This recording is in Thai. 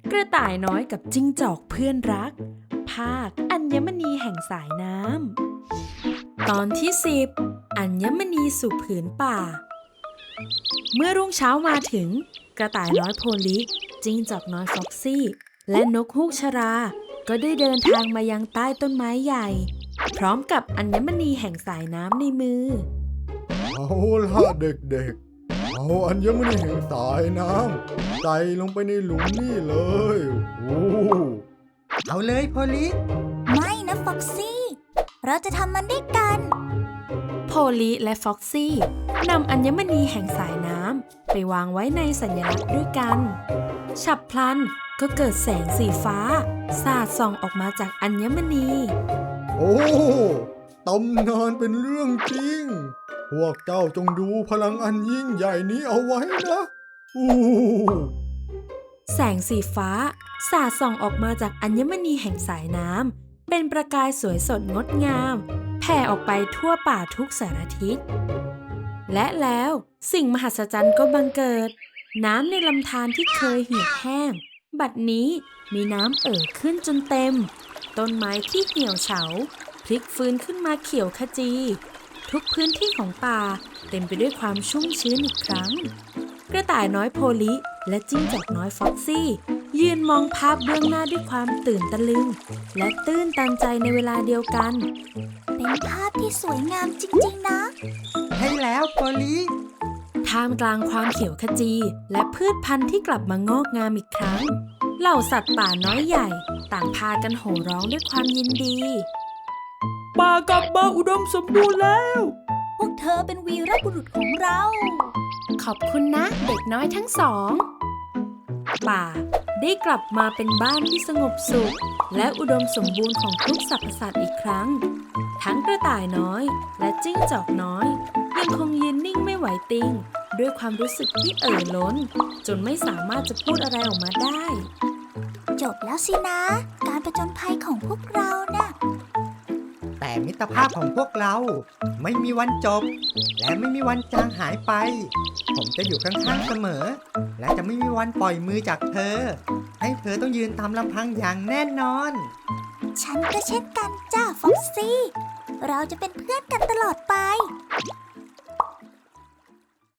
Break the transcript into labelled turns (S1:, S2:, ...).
S1: กระต่ายน้อยกับจิ้งจอกเพื่อนรักภาคอัญมณีแห่งสายน้ำตอนที่10อัญมณีสู่ผืนป่าเมื่อรุ่งเช้ามาถึงกระต่ายน้อยโพลิจิ้งจอกน้อยฟ็อกซี่และนกฮูกชราก็ได้เดินทางมายังใต้ต้นไม้ใหญ่พร้อมกับอัญมณีแห่งสายน้ำในมือ
S2: เอาล่ะเด็กๆเอาอัญมณีแห่งสายน้ำใส่ลงไปในหลุมนี่เลยโอ้
S3: เอาเลยโพลิ
S4: ไม่นะฟ็อกซี่เราจะทำมันด้วยกัน
S1: โพลิและฟ็อกซี่นำอัญมณีแห่งสายน้ำไปวางไว้ในสัญลักษณ์ด้วยกันฉับพลันก็เกิดแสงสีฟ้าสาดส่องออกมาจากอัญมณี
S2: โอ้ตำนานเป็นเรื่องจริงพวกเจ้าจงดูพลังอันยิ่งใหญ่นี้เอาไว้นะ
S1: แสงสีฟ้าสาดส่องออกมาจากอัญมณีแห่งสายน้ำเป็นประกายสวยสดงดงามแผ่ออกไปทั่วป่าทุกสารทิศและแล้วสิ่งมหัศจรรย์ก็บังเกิดน้ำในลำธารที่เคยเหี่ยวแห้งบัดนี้มีน้ำขึ้นจนเต็มต้นไม้ที่เหี่ยวเฉาพลิกฟื้นขึ้นมาเขียวขจีทุกพื้นที่ของป่าเต็มไปด้วยความชุ่มชื้นอีกครั้งกระต่ายน้อยโพลิและจิ้งจอกน้อยฟ็อกซี่ยืนมองภาพเบื้องหน้าด้วยความตื่นตะลึงและตื้นตันใจในเวลาเดียวกัน
S4: เป็นภาพที่สวยงามจริงๆนะ
S3: ใช่แล้วโพลิ
S1: ท่ามกลางความเขียวขจีและพืชพันธุ์ที่กลับมางอกงามอีกครั้งเหล่าสัตว์ป่าน้อยใหญ่ต่างพากันโห่ร้องด้วยความยินดีป่ากลับมาอุดมสมบูรณ์แล้ว
S4: พวกเธอเป็นวีรบุรุษของเรา
S1: ขอบคุณนะเด็กน้อยทั้งสองป่าได้กลับมาเป็นบ้านที่สงบสุขและอุดมสมบูรณ์ของทุกสรรพสัตว์อีกครั้งทั้งกระต่ายน้อยและจิ้งจอกน้อยยังคงยืนนิ่งไม่ไหวติงด้วยความรู้สึกที่ล้นจนไม่สามารถจะพูดอะไรออกมาได้
S4: จบแล้วสินะการผจญภัยของพวกเราน่ะ
S3: แต่มิตรภาพของพวกเราไม่มีวันจบและไม่มีวันจางหายไปผมจะอยู่ข้างๆเสมอและจะไม่มีวันปล่อยมือจากเธอให้เธอต้องยืนตามลำพังอย่างแน่นอน
S4: ฉันก็เช่นกันจ้าฟ็อกซี่เราจะเป็นเพื่อนกันตลอดไป